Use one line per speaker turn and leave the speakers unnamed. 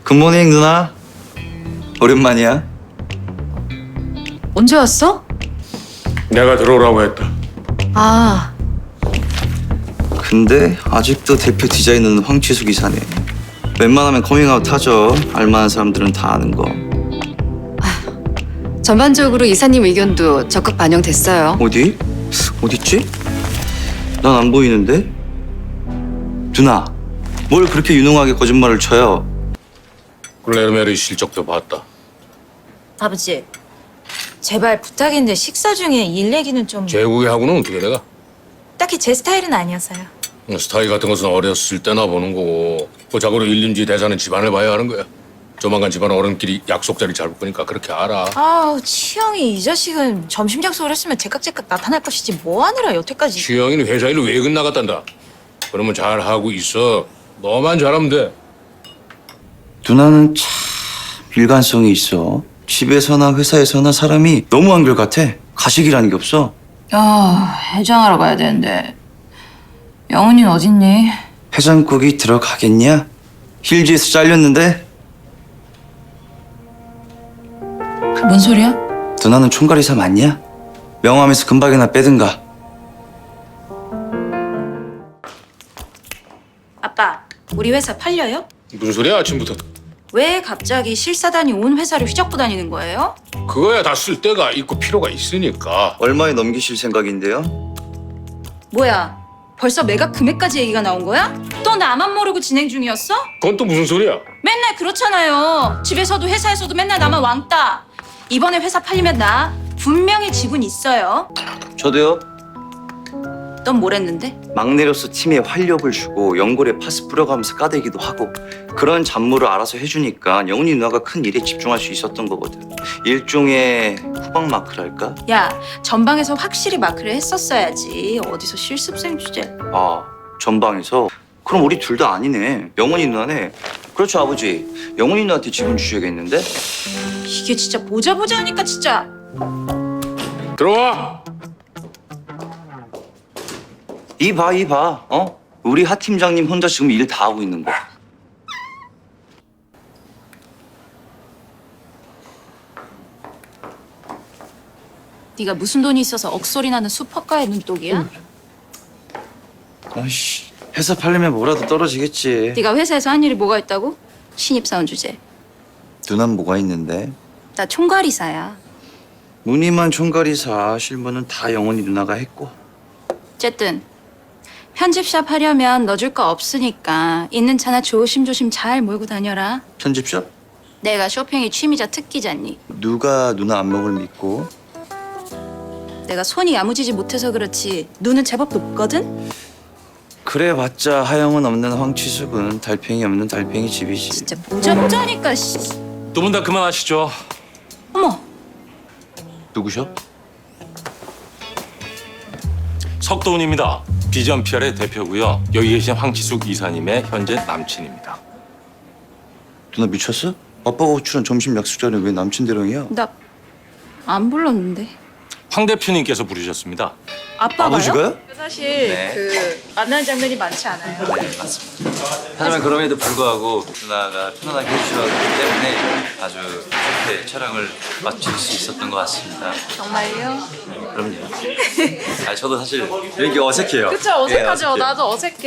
굿모닝 누나. 오랜만이야.
언제 왔어?
내가 들어오라고 했다.
아,
근데 아직도 대표 디자이너는 황치숙 이사네. 웬만하면 커밍아웃 하죠. 알만한 사람들은 다 아는 거.
전반적으로 이사님 의견도 적극 반영됐어요.
어디? 어딨지? 난 안 보이는데? 누나, 뭘 그렇게 유능하게 거짓말을 쳐요?
클레르메르 실적도 봤다.
아버지, 제발 부탁인데 식사 중에 일 얘기는 좀
제국이하고는 어떻게 내가?
딱히 제 스타일은 아니어서요.
스타일 같은 것은 어렸을 때나 보는 거고 그 자고로 일륜지 대사는 집안을 봐야 하는 거야. 조만간 집안 어른끼리 약속 자리 잡을 거니까 그렇게 알아.
아우, 치영이 이 자식은 점심 약속을 했으면 제깍제깍 나타날 것이지 뭐 하느라 여태까지.
취영이는 회사 일로 외근 나갔단다. 그러면 잘 하고 있어. 너만 잘하면 돼.
누나는 참 일관성이 있어. 집에서나 회사에서나 사람이 너무 한결같아. 가식이라는 게 없어.
야, 해장하러 가야 되는데 영훈이는 어딨니?
해장국이 들어가겠냐? 힐즈에서 잘렸는데?
뭔 소리야?
누나는 총괄이사 맞냐? 명함에서 금박이나 빼든가.
아빠, 우리 회사 팔려요?
무슨 소리야 아침부터.
왜 갑자기 실사단이 온 회사를 휘젓고 다니는 거예요?
그거야 다 쓸 데가 있고 필요가 있으니까.
얼마에 넘기실 생각인데요?
뭐야, 벌써 매각 금액까지 얘기가 나온 거야? 또 나만 모르고 진행 중이었어?
그건 또 무슨 소리야?
맨날 그렇잖아요. 집에서도 회사에서도 맨날 나만 왕따. 이번에 회사 팔리면 나 분명히 지분 있어요.
저도요.
넌 뭘 했는데?
막내로서 팀에 활력을 주고 연골에 파스 뿌려가면서 까대기도 하고 그런 잡무를 알아서 해주니까 영훈이 누나가 큰 일에 집중할 수 있었던 거거든. 일종의 후방 마크랄까?
야, 전방에서 확실히 마크를 했었어야지. 어디서 실습생 주제.
아, 전방에서? 그럼 우리 둘 다 아니네. 영훈이 누나네. 그렇죠, 아버지. 영훈이 누나한테 지분 주셔야겠는데?
이게 진짜 보자 하니까 진짜.
들어와.
이 봐. 어? 우리 하 팀장님 혼자 지금 일 다 하고 있는 거.
네가 무슨 돈이 있어서 억소리 나는 수퍼가의 눈독이야?
아이씨, 회사 팔려면 뭐라도 떨어지겠지.
네가 회사에서 한 일이 뭐가 있다고? 신입사원 주제.
누난 뭐가 있는데?
나 총괄이사야.
무늬만 총괄이사, 실무는 다 영훈이 누나가 했고.
어쨌든 편집샵 하려면 넣어줄 거 없으니까 있는 차나 조심조심 잘 몰고 다녀라.
편집샵?
내가 쇼핑이 취미자 특기잖니.
누가 누나 안목을 믿고?
내가 손이 야무지지 못해서 그렇지 눈은 제법 높거든?
그래봤자 하영은 없는 황치숙은 달팽이 없는 달팽이 집이지.
진짜 보자하니까 씨.
두 분 다 그만하시죠.
어머,
누구셔?
석도훈입니다. 비전 PR의 대표고요. 여기 계신 황치숙 이사님의 현재 남친입니다.
누나 미쳤어? 아빠가 호출한 점심 약속 자리에 왜 남친 대령이야?
나 안 불렀는데.
황 대표님께서 부르셨습니다.
아빠가요?
아버지가요?
사실
네.
그 만나는 장면이 많지 않아요.
네, 맞습니다. 하지만 그럼에도 불구하고 누나가 편안하게 해주셨기 때문에 아주 좋게 촬영을 마칠 수 있었던 것 같습니다.
정말요?
그럼요. 저도 사실 이게 어색해요.
그쵸, 어색하죠. 나도 어색해.